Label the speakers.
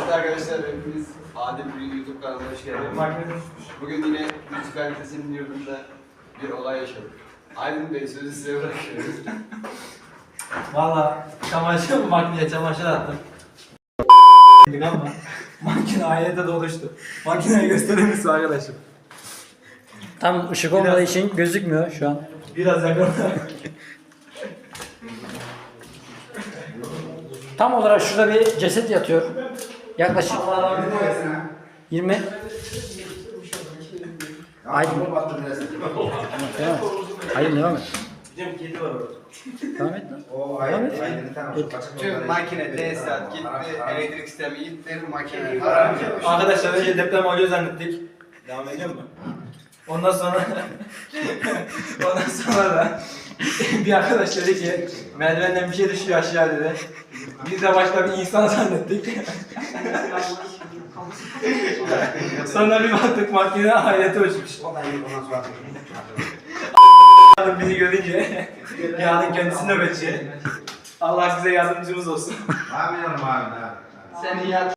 Speaker 1: Evet arkadaşlar, hepiniz Adil bir YouTube kanalına hoş geldiniz. Bugün yine müzik kalitesinin yurdunda bir olay yaşadık. Aydın Bey, sözü size bırakıyorum.
Speaker 2: Valla makineye çamaşır attım. Ama makine ailede doluştu. Makineyi gösterir misin arkadaşım?
Speaker 3: Tam ışık olmadığı için gözükmüyor şu an.
Speaker 2: Biraz yakın.
Speaker 3: Tam olarak şurada bir ceset yatıyor. Yaklaşık 20. Aydın. Devam et. Aydın devam et.
Speaker 2: Bizim kedi var orada.
Speaker 3: Devam et lan.
Speaker 4: Devam
Speaker 3: et.
Speaker 1: Tüm makine, tesisat gitti, elektrik sistemi gitti, makine.
Speaker 2: Arkadaşlar önce deprem oluyor zannettik. Devam ediyor mu? Ondan sonra da bir arkadaş dedi ki merdivenden bir şey düşüyor aşağı dedi. Biz de başka bir insan zannettik. Sonra bir baktık makine hayalete uçmuş. Bizi görünce yarın kendisi nöbetçi. Allah size yardımcımız olsun.
Speaker 4: Abi.
Speaker 1: Sen iyi